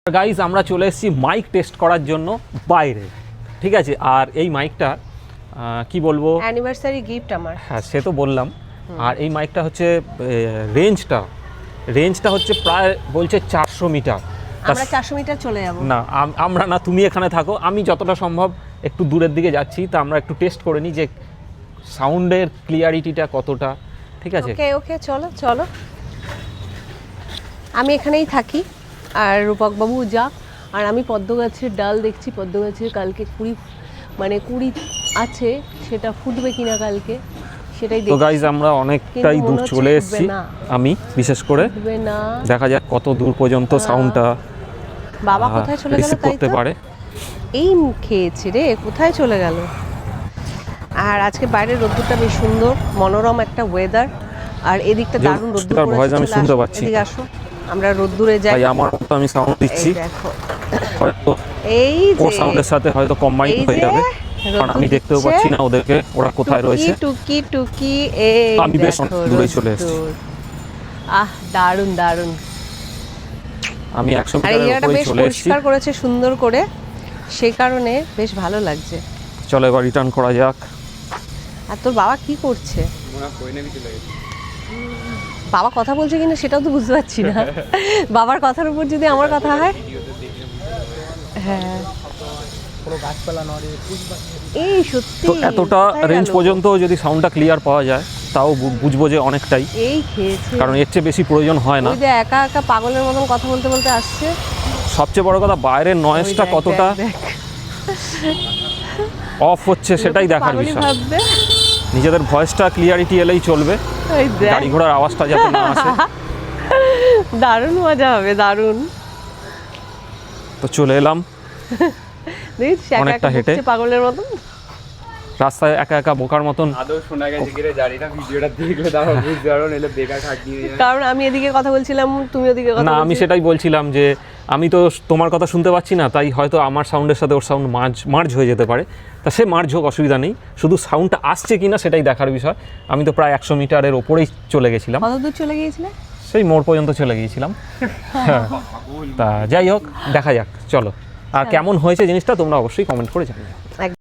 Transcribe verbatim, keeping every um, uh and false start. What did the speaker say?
Guys আমরা চলে এসেছি মাইক টেস্ট করার জন্য বাইরে, ঠিক আছে। আর এই মাইকটা কি বলবো, অ্যানিভার্সারি গিফট আমার। হ্যাঁ সে তো বললাম। আর এই মাইকটা হচ্ছে রেঞ্জটা রেঞ্জটা হচ্ছে প্রায় বলছে চারশো মিটার। আমরা চারশো মিটার চলে যাব না, আমরা না, তুমি এখানে থাকো, আমি যতটা সম্ভব একটু দূরের দিকে যাচ্ছি। তা আমরা একটু টেস্ট করে নিই যে সাউন্ডের ক্লিয়ারিটিটা কতটা, ঠিক আছে। ওকে ওকে চলো চলো, আমি এখানেই থাকি আর রূপকবাবু যাক। আর আমি পদ্ম গাছের ডাল দেখছি, পদ্ম গাছের কালকে কুড়ি মানে কুড়ি আছে, সেটা ফুটবে কিনা কালকে সেটাই দেখছি। তো গাইজ আমরা অনেকটাই দূর চলে এসেছি, আমি বিশেষ করে না দেখা যাক কত দূর পর্যন্ত সাউন্ডটা বাবা কোথায় চলে গেল তাই করতে পারে। এই খেয়েছে রে, কোথায় চলে গেল। আর আজকে বাইরের রোদ্দুরটা বেশ সুন্দর, মনোরম একটা ওয়েদার। আর এদিকটা দারুণ রোদ্দুর পড়েছে, ভয়েস আমি শুনতে পাচ্ছি। এদিকে আসো, আমরা রোদ্দুরে যাই। ভাই আমার তো আমি সাউন্ড দিচ্ছি, দেখো হয়তো এই যে ওর সাউন্ডের সাথে হয়তো কম্বাইন হয়ে যাবে, কারণ আমি দেখতেও পাচ্ছি না ওদেরকে, ওরা কোথায় রয়েছে। টুকি টুকি এই আমি বেশ দূরে চলে এসেছি। আহ দারুণ দারুণ। আমি একশো আর মিটারের এরিয়াটা উপরে বেশ চলে এসেছি, পরিষ্কার করেছে সুন্দর করে, সেই কারণে বেশ ভালো লাগছে। চলো এবার রিটার্ন করা যাক। আর তোর বাবা কি করছে? বাবা কথা বলছে কিনা সেটাও তো বুঝতে পারছি না। বাবার কথার উপর যদি আমার কথা হয়, হ্যাঁ এই সত্যি তো এতটা রেঞ্জ পর্যন্ত যদি সাউন্ডটা ক্লিয়ার পাওয়া যায় তাও বুঝবো যে অনেকটাই, এই খেয়েছে, কারণ এর চেয়ে বেশি প্রয়োজন হয় না। ওই যে একা একা পাগলের মতন কথা বলতে বলতে আসছে। সবচেয়ে বড় কথা বাইরের নয়েজটা কতটা অফ হচ্ছে সেটাই দেখার বিষয়। নিজেদের ভয়েসটা ক্লিয়ারিটি এলেই চলবে, গাড়ি ঘোড়ার আওয়াজটা যাতে না আসে। দারুণ মজা হবে, দারুণ। তো চলে এলাম অনেকটা হেঁটে পাগলের মতন রাস্তায় একা একা বোকার মতন। আদৌ শোনা গেছে কিরে জানি না, ভিডিওটা দেখলে তারপর বুঝতে পারো, নইলে বেকার খাটনি হয়ে যাবে। কারণ আমি এদিকে কথা বলছিলাম, তুমি ওদিকে কথা না, আমি সেটাই বলছিলাম যে আমি তো তোমার কথা শুনতে পাচ্ছি না, তাই হয়তো আমার সাউন্ডের সাথে ওর সাউন্ড মার্জ মার্জ হয়ে যেতে পারে। তা সে মার্জ হোক, অসুবিধা নেই, শুধু সাউন্ডটা আসছে কিনা সেটাই দেখার বিষয়। আমি তো প্রায় একশো মিটারের ওপরেই চলে গেছিলাম। কত দূর চলে গিয়েছিলে? সেই মোড় পর্যন্ত চলে গিয়েছিলাম। তা যাই হোক, দেখা যাক, চলো। আর কেমন হয়েছে জিনিসটা তোমরা অবশ্যই কমেন্ট করে জানিও।